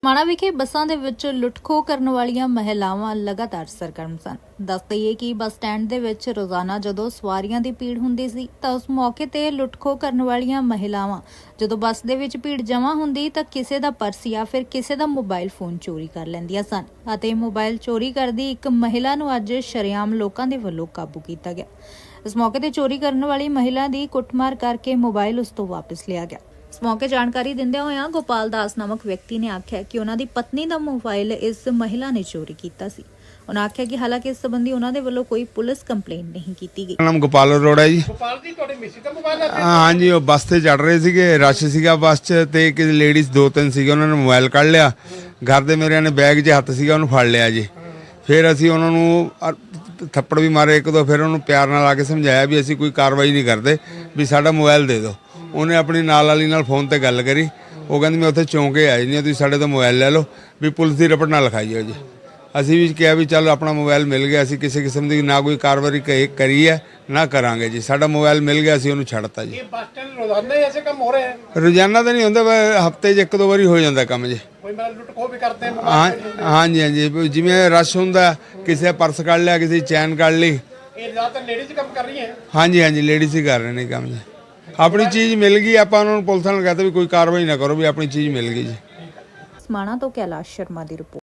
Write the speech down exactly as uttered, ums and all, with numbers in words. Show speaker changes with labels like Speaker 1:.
Speaker 1: ਮਾਣਾ ਵਿਖੇ ਬੱਸਾਂ ਦੇ ਵਿੱਚ ਲੁੱਟ-ਖੋਹ ਕਰਨ ਵਾਲੀਆਂ ਮਹਿਲਾਵਾਂ ਲਗਾਤਾਰ ਸਰਗਰਮ ਸਨ। ਦੱਸ ਦਈਏ ਕਿ ਬੱਸ ਸਟੈਂਡ ਦੇ ਵਿੱਚ ਰੋਜ਼ਾਨਾ ਜਦੋਂ ਸਵਾਰੀਆਂ ਦੀ ਭੀੜ ਹੁੰਦੀ ਸੀ ਤਾਂ ਉਸ ਮੌਕੇ ਤੇ ਲੁੱਟ-ਖੋਹ ਕਰਨ ਵਾਲੀਆਂ ਮਹਿਲਾਵਾਂ ਜਦੋਂ ਬੱਸ ਦੇ ਵਿੱਚ ਭੀੜ ਜਮ੍ਹਾਂ ਹੁੰਦੀ ਤਾਂ ਕਿਸੇ ਦਾ ਪਰਸ ਜਾਂ ਫਿਰ ਕਿਸੇ ਦਾ ਮੋਬਾਈਲ ਫੋਨ ਚੋਰੀ ਕਰ ਲੈਂਦੀਆਂ ਸਨ ਅਤੇ ਮੋਬਾਈਲ ਚੋਰੀ ਕਰਦੀ ਇੱਕ ਮਹਿਲਾ ਨੂੰ ਅੱਜ ਸ਼ਰੇਆਮ ਲੋਕਾਂ ਦੇ ਵੱਲੋਂ ਕਾਬੂ ਕੀਤਾ ਗਿਆ। ਇਸ ਮੌਕੇ ਤੇ ਚੋਰੀ ਕਰਨ ਵਾਲੀ ਮਹਿਲਾ ਦੀ ਕੁੱਟਮਾਰ ਕਰਕੇ ਮੋਬਾਈਲ ਉਸ ਤੋਂ ਵਾਪਸ ਲਿਆ ਗਿਆ। इस मौके जानकारी दिंदे होया गोपाल दास नामक व्यक्ति ने आख्या कि उन्हां दी पत्नी दा मोबाइल इस महिला ने चोरी कीता सी। उन्हां आख्या कि हालांकि इस संबंधी उन्हां दे वल्लों कोई पुलिस कंप्लेंट नहीं कीती गई।
Speaker 2: नाम गोपाल अरोड़ा जी। गोपाल जी तुहाडे मिसी दा मोबाइल है? हां जी, वो बस ते चढ़ रहे सीगे, रश सीगा बस च ते एक लेडीज दो तीन सीगे, उन्होंने मोबाइल कढ़ लिया। घर दे मेरे ने बैग च हत्थ सीगा, उन्होंने फड़ लिया जी। फिर असीं उन्हां नूं थप्पड़ भी मारे एक दो, फिर उन्होंने प्यार नाल आके समझाया भी असीं कोई कार्रवाई नहीं करते, भी साडा मोबाइल दे दो। ਉਹਨੇ ਆਪਣੀ ਨਾਲ ਵਾਲੀ ਨਾਲ ਫੋਨ ਤੇ ਗੱਲ ਕਰੀ। ਉਹ ਕਹਿੰਦੀ ਮੈਂ ਉੱਥੇ ਚੌਂਕੇ ਆਈ ਨਹੀਂ, ਤੁਸੀਂ ਸਾਡੇ ਤੋਂ ਮੋਬਾਈਲ ਲੈ ਲਓ, ਵੀ ਪੁਲਿਸ ਦੀ ਰਿਪੋਰਟ ਨਾ ਲਿਖਾਈਓ ਜੀ। ਅਸੀਂ ਵੀ ਕਿਹਾ ਵੀ ਚੱਲ ਆਪਣਾ ਮੋਬਾਈਲ ਮਿਲ ਗਿਆ, ਅਸੀਂ ਕਿਸੇ ਕਿਸਮ ਦੀ ਨਾ ਕੋਈ ਕਾਰਵਾਈ ਕਰੀ ਹੈ ਨਾ ਕਰਾਂਗੇ ਜੀ। ਸਾਡਾ ਮੋਬਾਈਲ ਮਿਲ ਗਿਆ, ਅਸੀਂ ਉਹਨੂੰ ਛੱਡਤਾ ਜੀ।
Speaker 3: ਇਹ ਬੱਸ ਸਟੈਂਡ ਰੋਜ਼ਾਨਾ ਹੀ ਐਸੇ ਕੰਮ ਹੋ ਰਿਹਾ ਹੈ?
Speaker 2: ਰੋਜ਼ਾਨਾ ਤਾਂ ਨਹੀਂ ਹੁੰਦਾ, ਹਫਤੇ 'ਚ ਇੱਕ ਦੋ ਵਾਰੀ ਹੋ ਜਾਂਦਾ ਕੰਮ ਜੀ।
Speaker 3: ਕੋਈ ਮਤਲਬ ਲੁੱਟ ਖੋਹ ਵੀ ਕਰਦੇ ਆ?
Speaker 2: ਹਾਂ ਹਾਂਜੀ ਹਾਂਜੀ, ਜਿਵੇਂ ਰਸ਼ ਹੁੰਦਾ, ਕਿਸੇ ਦਾ ਪਰਸ ਕੱਢ ਲਿਆ, ਕਿਸੇ ਦੀ ਚੈਨ ਕੱਢ ਲਈ।
Speaker 3: ਇਹ ਜ਼ਿਆਦਾਤਰ ਲੇਡੀਜ਼ ਕੰਮ ਕਰ ਰਹੀਆਂ?
Speaker 2: ਹਾਂਜੀ ਹਾਂਜੀ, ਲੇਡੀਜ਼ ਹੀ ਕਰ ਰਹੇ ਨੇ ਕੰਮ ਜੀ। ਆਪਣੀ ਚੀਜ਼ ਮਿਲ ਗਈ, ਆਪਾਂ ਉਹਨਾਂ ਨੂੰ ਪੁਲਿਸ ਨਾਲ ਕਹਤੇ ਵੀ ਕੋਈ ਕਾਰਵਾਈ ਨਾ ਕਰੋ, ਵੀ ਆਪਣੀ ਚੀਜ਼ ਮਿਲ ਗਈ ਜੀ।
Speaker 1: ਮਾਣਾ ਤੋਂ ਕੈਲਾਸ਼ ਸ਼ਰਮਾ ਦੀ ਰਿਪੋਰਟ।